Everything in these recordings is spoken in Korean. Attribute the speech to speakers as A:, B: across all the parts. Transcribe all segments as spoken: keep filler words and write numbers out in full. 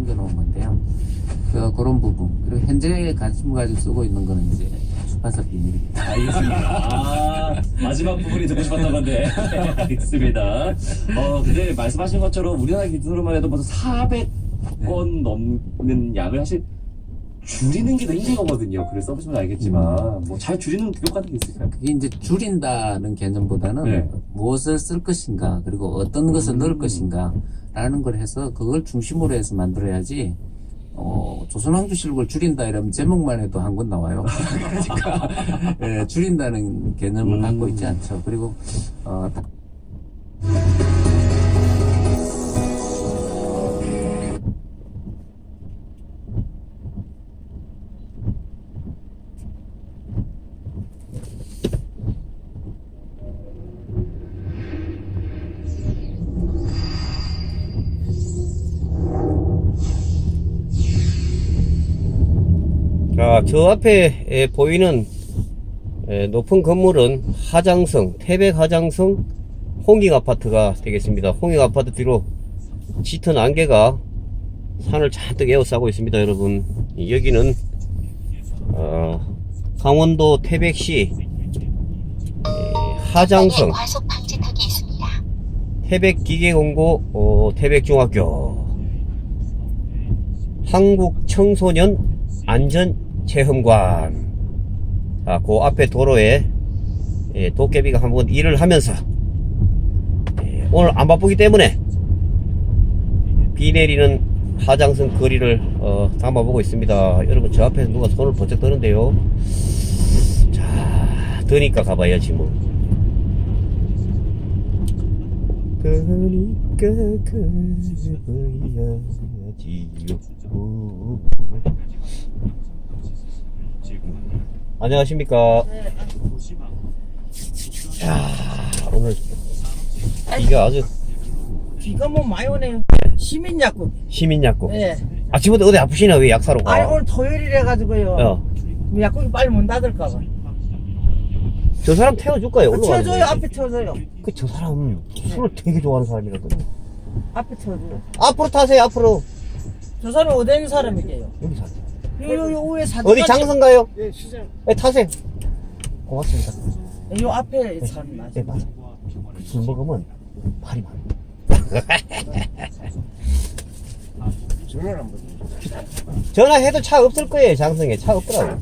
A: 남겨놓은 건데요. 그, 그런 부분. 그리고 현재 관심을 가지고 쓰고 있는 거는 이제 출판사 비밀입니다.
B: 알겠습니다. 아, 마지막 부분이 듣고 싶었던 건데. 알겠습니다. 어, 근데 말씀하신 것처럼 우리나라 기준으로만 해도 벌써 사백 권 넘는 양을 사실 줄이는 게 더 힘든 거거든요. 그래서 써보시면 알겠지만, 뭐 잘 줄이는 교육 같은 게 있을까요?
A: 그게 이제 줄인다는 개념보다는
B: 네.
A: 무엇을 쓸 것인가, 그리고 어떤 것을 넣을 것인가, 라는 걸 해서 그걸 중심으로 해서 만들어야지, 어, 조선왕조실록을 줄인다 이러면 제목만 해도 한 권 나와요. 그러니까, 예, 줄인다는 개념을
B: 음.
A: 갖고 있지 않죠. 그리고, 어, 다-
C: 자, 저 앞에 에, 보이는 에, 높은 건물은 하장성, 태백 하장성 홍익 아파트가 되겠습니다. 홍익 아파트 뒤로 짙은 안개가 산을 잔뜩 에워싸고 있습니다, 여러분. 여기는 어, 강원도 태백시 에, 하장성
D: 과속 방지턱이 있습니다.
C: 태백기계공고 어, 태백중학교 한국청소년 안전체험관. 자, 그 앞에 도로에 예, 도깨비가 한번 일을 하면서 예, 오늘 안 바쁘기 때문에 비 내리는 하장성 거리를 어, 담아보고 있습니다. 여러분, 저 앞에서 누가 손을 번쩍 드는데요. 자, 드니까 가봐야지 뭐. 그러니까 가봐야지요. 안녕하십니까. 야, 오늘 비가 아주
E: 비가 뭐 많이 오네요. 시민 약국.
C: 시민 약국.
E: 예.
C: 아침부터 어디 아프시나? 왜 약 사러 가?
E: 아니 오늘 토요일이라 가지고요.
C: 어.
E: 약국이 빨리 문 닫을까 봐.
C: 저 사람 태워줄까요? 올라가는
E: 태워줘요.
C: 거지.
E: 앞에 태워줘요.
C: 그 저 사람 술을 되게 좋아하는 사람이거든요.
E: 앞에 태워줘요.
C: 앞으로 타세요. 앞으로.
E: 저 사람이 어디 있는 사람이게요?
C: 여기 사세요.
E: 요, 요, 요 위에 사진.
C: 어디 장성 가요?
E: 예, 시장.
C: 네, 타세요. 고맙습니다.
E: 요 앞에 사람 맞아.
C: 네, 맞아. 술 먹으면 발이 많아.
E: 전화를 안 받아.
C: 전화해도 차 없을 거예요. 장성에 차 없더라고.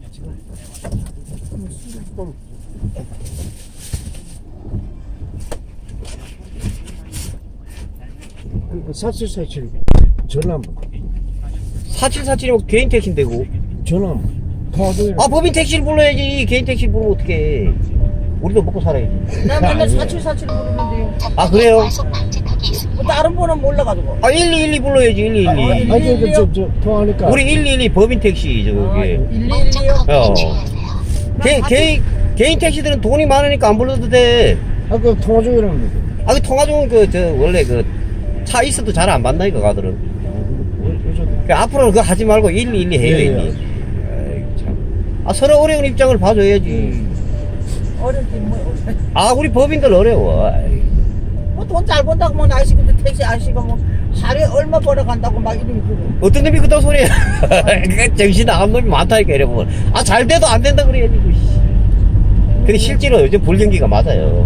F: 사칠사칠 전화 한번
C: 사칠사칠이면 개인 택시인데 고
F: 전화 한번 통화도
C: 아, 법인 택시를 불러야지. 개인 택시를 부르면 어떡해. 우리도 먹고 살아야지.
E: 나 맨날 사칠사칠 부르는데요.
C: 아, 그래요?
D: 과속 방지턱이 있습니다.
E: 뭐 다른 번은 몰라가지고.
C: 아, 일이일이 불러야지. 일이일이.
F: 아니 그 저 저 통화하니까
C: 우리 일이일이 법인 택시 저기.
E: 일일이요?
C: 어. 개, 개인 개인 택시들은 돈이 많으니까 안 불러도 돼.
F: 아그 통화 중이라는 거
C: 아, 그 통화 중은 그 저 원래 그 차 있어도 잘 안 받나 이거 가들은. 그 앞으로는 그거 하지 말고 일이일이 해요.
F: 예, 예.
C: 일이. 아이고, 참. 아, 서로 어려운 입장을 봐줘야지.
E: 어렵긴 뭐.
C: 아, 우리 법인들 어려워. 아이.
E: 뭐돈 잘 번다고 뭐 아저씨 근데 택시 아저씨가 뭐 하루에 얼마 벌어간다고 막 이름이 그러고.
C: 어떤 놈이 그딴 소리야. 그 정신 나간 놈이 많다니까 이러면. 아, 잘 돼도 안 된다 그래야지. 그 씨. 근데 실제로 요즘 불경기가 맞아요.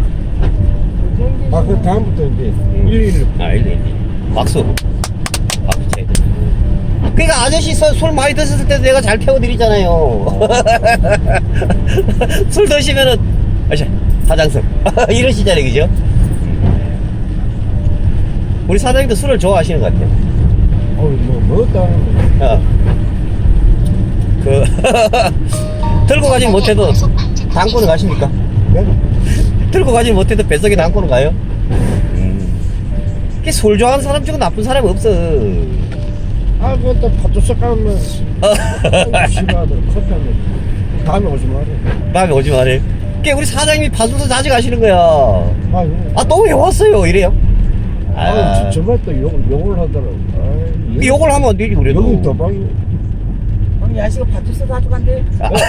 F: 아그 다음부터 이제
C: 음.
F: 일일
C: 아, 일일이. 막수. 막수 쳐야 돼. 그러니까 아저씨 서- 술 많이 드셨을 때도 내가 잘 태워드리잖아요. 술 드시면은, 아저씨, 하장성. 이러시잖아요, 그죠? 우리 사장님도 술을 좋아하시는 것 같아요.
F: 어뭐 먹었다 하는
C: 어. 그, 들고 가진 못해도 당구는 가십니까?
F: 거
C: 들고 가진 못해도 뱃속에 당구는 가요? 음. 술 좋아하는 사람 중에 나쁜 사람이 없어.
F: 아 그것도 파도석 가면 싫어하더라 커피 한잔 다음에 오지 마라
C: 다음에 오지 말해. 그 우리 사장님이 파주도 자주 가시는 거야.
F: 아유
C: 아, 또 왜 왔어요? 이래요?
F: 아 정말 또 욕, 욕을 하더라고 아이,
C: 그 욕을 하면 안 되지, 그래도.
F: 여기 도박이
E: 오늘 야식가 파투스 가져간대.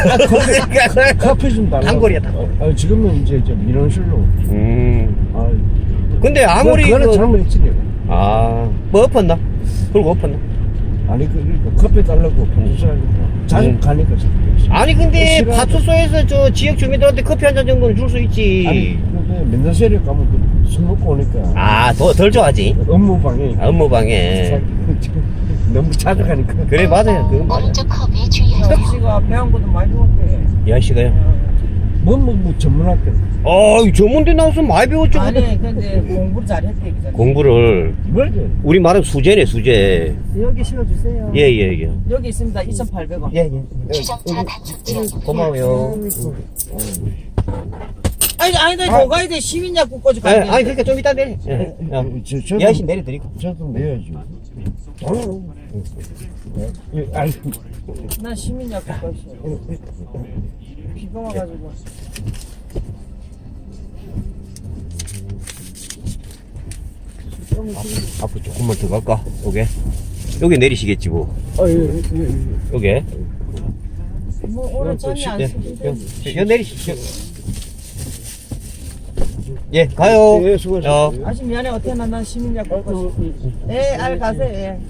F: 커피 좀 달라
C: 단골이야, 단골.
F: 아 지금은 이제 저 민원실로
C: 음.
F: 아
C: 근데 아무리.
F: 그거는
C: 그-
F: 잘못했지 내가
C: 아, 뭐 엎었나? 그리고 엎었나?
F: 아니 그러니까 커피 달라고 파주소하니까 자주
C: 음.
F: 가니까 자꾸.
C: 아니 근데
F: 싫어하죠.
C: 파출소에서 저 지역 주민들한테 커피 한 잔 정도는 줄 수 있지.
F: 아니 근데 맨날 세력 가면 그 술 먹고 오니까
C: 아, 더 덜 좋아하지.
F: 업무방해.
C: 아, 업무방해.
F: 너무 자주 가니까.
C: 그래 맞아요. 그건 맞아.
D: 오른쪽 커브에 주의하세요.
E: 섭씨가 배운 것도 많이 배웠대.
C: 이 아저씨가요.
F: 뭐뭐 뭐 전문학교.
C: 어, 전문대 나와서 많이 배웠죠.
E: 아니 근데 공부를 잘했대 그잖아.
C: 공부를
F: 뭐지?
C: 우리 말은 수제네 수제.
E: 여기 실어주세요.
C: 예예 예.
E: 여기 있습니다. 이천팔백 원.
C: 예, 예.
D: 주정차 단속 지역입니다.
C: 고마워요.
E: 아니 아니다 더 가야 돼. 시민약국 거지
C: 예,
E: 가야 돼.
C: 아니 그러니까 좀 이따 내려. 예. 야,
F: 저, 저도,
C: 이 아저씨 내려드리고.
F: 저도 내야지. 어. 예, 아니,
E: 난 시민약국 거지. 비가 와가지고.
C: 앞으로 조금만 더 갈까? 여기 여기 내리시겠지 뭐.
F: 아, 예, 예, 예.
C: 여기.
E: 뭐 오늘 잠이 안
C: 예,
E: 쓰는데.
C: 여기 내리시죠. 예, 가요.
F: 예, 수고하셨어요.
C: 어.
E: 아직 미안해 어떻게 난 시민약국 거지. 예, 알 가세요. 예.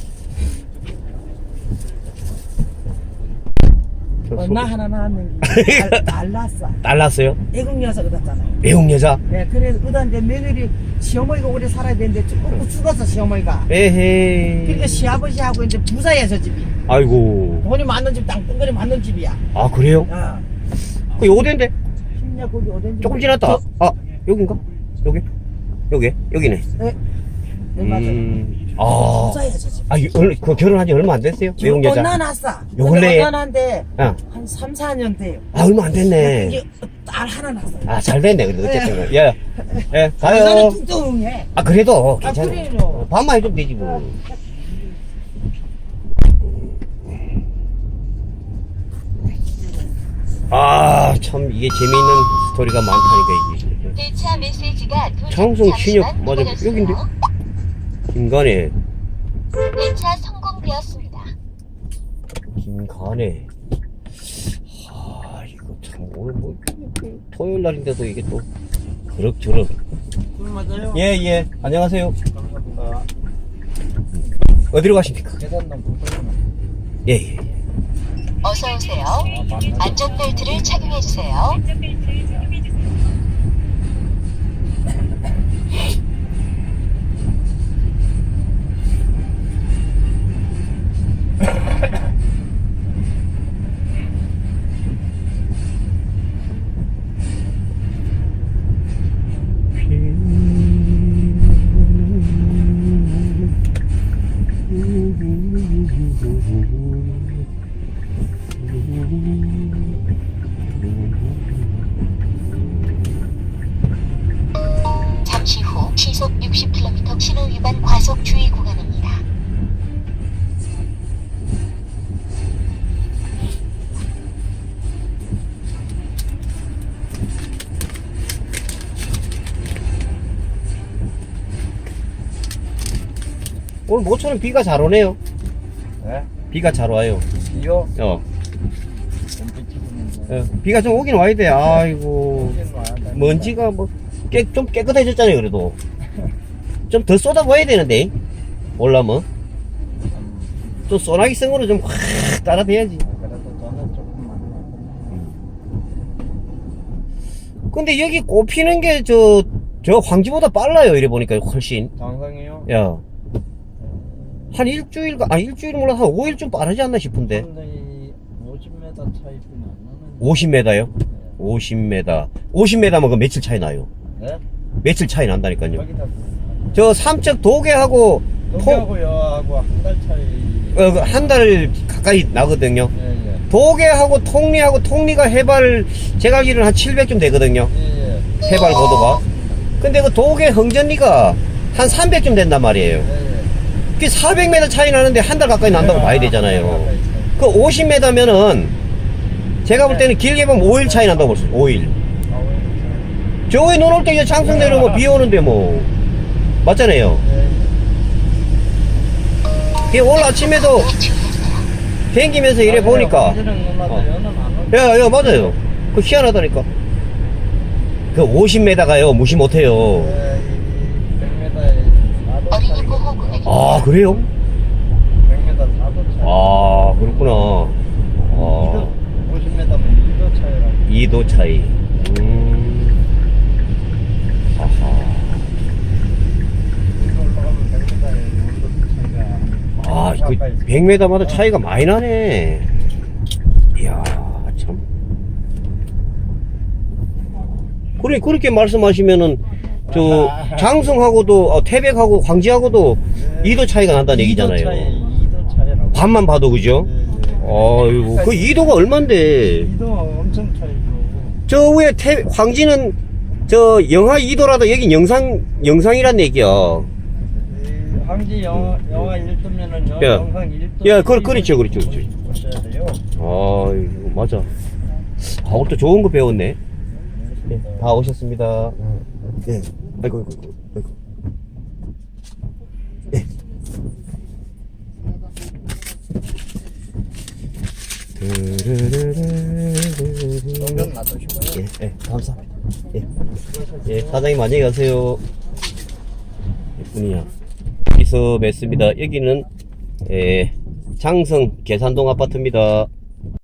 E: 얼마 하나 나왔는지 달랐어.
C: 달랐어요?
E: 애국 여자 그랬잖아요.
C: 외국 여자.
E: 예, 그래서 그다 이제 며느리 시어머니가 오래 살아야 되는데 꼭 죽었어 시어머니가.
C: 에헤이.
E: 그러니까 시아버지하고 이제 부자야 저 집이.
C: 아이고.
E: 돈이 많은 집, 땅덩어리 많은 집이야.
C: 아 그래요?
E: 야,
C: 그 어딘데?
E: 시민약국이 어딘지.
C: 조금 지났다. 아 여긴가? 여기? 여기? 여기네.
E: 네, 네 맞아요.
C: 음. 아.
E: 부자야 저 집.
C: 아, 이- 얼- 그 결혼한 지 얼마 안 됐어요? 외국 여자.
E: 낳았어.
C: 요 근래에?
E: 언난한데
C: 어.
E: 한 삼, 사 년 돼요.
C: 아, 얼마 안 됐네.
E: 이게 딸 하나 낳았어.
C: 아, 잘 됐네. 그래도 어쨌든. 예. 예,
E: 나는
C: 가요.
E: 뚱뚱해.
C: 아, 그래도
E: 아,
C: 괜찮아.
E: 그래요.
C: 밥만 해주면 되지, 뭐. 아, 참, 이게 재미있는 스토리가 많다니까, 이게.
D: 대차 메시지가 도착
C: 장성 신협,
D: 잠시만
C: 맞아.
D: 기다려주세요.
C: 여긴데? 김간에,
D: 대차 성공되었습니다.
C: 김간에. 아, 이거 참, 오늘 뭐, 토요일 날인데도 이게 또, 그럭저럭.
E: 맞아요.
C: 예, 예. 안녕하세요.
E: 감사합니다.
C: 어디로 가십니까?
E: 계산당 부탁드립니다.
C: 예, 예.
D: 어서 오세요. 안전벨트를 착용해 주세요. 잠시 후 시속 육십 킬로미터 신호 위반 과속 주의 구간입니다.
C: 오늘 모처럼 비가 잘 오네요.
F: 네?
C: 비가 잘 와요.
F: 이요?
C: 어. 어, 비가 좀 오긴 와야 돼. 아이고. 먼지가 뭐, 깨, 좀 깨끗해졌잖아요, 그래도. 좀 더 쏟아부어야 되는데. 올라면. 좀 소나기 성으로 좀 확 따라대야지.
F: 그래도 저는 조금만.
C: 근데 여기 꼽히는 게 저, 저 황지보다 빨라요, 이래 보니까 훨씬.
F: 장상이요?
C: 야. 한 일주일, 아, 일주일 몰라, 한 오 일 좀 빠르지 않나 싶은데.
F: 근데 오십 미터 차이뿐이 안 나는.
C: 오십 미터요? 오십 미터. 오십 미터면 그 며칠 차이 나요?
F: 네?
C: 며칠 차이 난다니까요.
F: 여기다
C: 저 삼척 도계하고 통,
F: 동기하고 여하고 한 달 차이.
C: 어, 한 달 가까이 나거든요.
F: 예, 예.
C: 도계하고 통리하고 통리가 해발, 제가 알기로는 한 칠백쯤 되거든요.
F: 예, 예.
C: 해발 고도가. 근데 그 도계 흥전리가 한 삼백쯤 된단 말이에요.
F: 예, 예.
C: 그 사백 미터 차이 나는데 한 달 가까이 난다고 봐야 되잖아요. 그 오십 미터면은 제가 볼 때는 길게 보면 오 일 차이 난다고 볼 수 있어요. 오 일. 저기 눈 올 때 이제 장성 내려오면 비 오는데 뭐. 맞잖아요. 그 오늘 아침에도 댕기면서 이래 보니까. 야, 야, 맞아요. 그 희한하다니까. 그 오십 미터가요, 무시 못해요.
D: 어린이 보호구역입니다.
C: 아, 그래요? 아, 그렇구나. 아,
F: 오십 미터면 이 도 차이라고.
C: 이 도 차이. 음. 아하.
F: 이거 올라가면 백 미터에 온도 차이가.
C: 아, 그 백 미터마다 차이가 많이 나네. 이야, 참. 그래, 그렇게 말씀하시면은, 저, 장성하고도, 어, 태백하고 광지하고도 이 도 차이가 난다는 얘기잖아요.
F: 이 도 차이, 이 도 차이라고.
C: 밤만 봐도, 그죠?
F: 네, 네.
C: 아이고, 그 이 도가 얼만데?
F: 이 도 엄청 차이고.
C: 저 위에 태, 황지는, 저, 영하 이 도라도 여긴 영상, 영상이란 얘기야.
F: 이 황지 영하, 영하 일 도면은 영,
C: 야.
F: 영상 일 도.
C: 야, 그, 그렇죠, 그렇죠, 그렇죠.
F: 보셔야 돼요.
C: 아이고, 맞아. 아, 오늘 또 좋은 거 배웠네. 네, 다 오셨습니다. 네. 아이고, 아이고, 아이고, 아이고. 네.
F: 정면 놔두시고요.
C: 예, 예, 감사합니다. 예. 예, 사장님 안녕히 가세요. 예쁜이야. 여기서 뵙습니다. 여기는, 예, 장성 계산동 아파트입니다.